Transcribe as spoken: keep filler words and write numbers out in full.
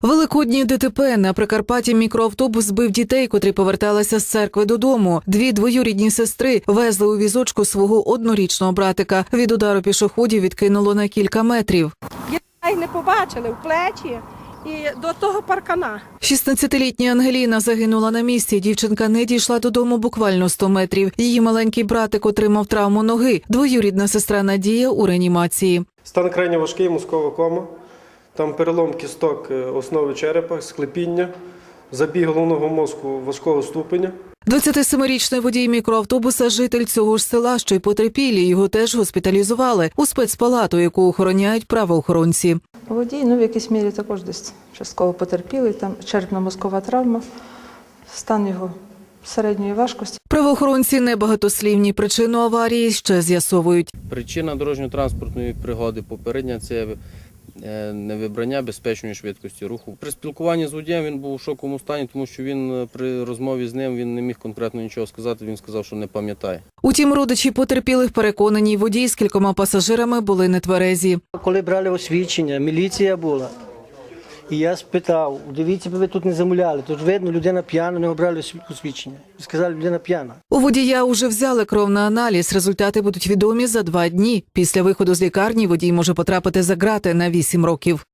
Великодні ДТП. На Прикарпатті мікроавтобус збив дітей, котрі поверталися з церкви додому. Дві двоюрідні сестри везли у візочку свого однорічного братика. Від удару пішоходів відкинуло на кілька метрів. Дітей не побачили в плечі і до того паркана. шістнадцятилітня Ангеліна загинула на місці. Дівчинка не дійшла додому буквально сто метрів. Її маленький братик отримав травму ноги. Двоюрідна сестра Надія у реанімації. Стан крайне важкий, мозкова кома. Там перелом кісток основи черепа, склепіння, забій головного мозку важкого ступеня. двадцятисемирічний водій мікроавтобуса – житель цього ж села, що й потерпілі. Його теж госпіталізували у спецпалату, яку охороняють правоохоронці. Водій, ну, в якійсь мірі також десь частково потерпілий, там черепно-мозкова травма, стан його середньої важкості. Правоохоронці небагатослівні. Причину аварії ще з'ясовують. Причина дорожньо-транспортної пригоди попередня – це невибрання безпечної швидкості руху. При спілкуванні з водієм він був у шоковому стані, тому що він при розмові з ним він не міг конкретно нічого сказати, він сказав, що не пам'ятає. Утім, родичі потерпілих переконані, водій з кількома пасажирами були нетверезі. Коли брали освідчення, міліція була. І я спитав, дивіться, ви тут не замовляли, тут видно, людина п'яна, не обрали освідчення. Сказали, людина п'яна. У водія уже взяли кров на аналіз. Результати будуть відомі за два дні. Після виходу з лікарні водій може потрапити за ґрати на вісім років.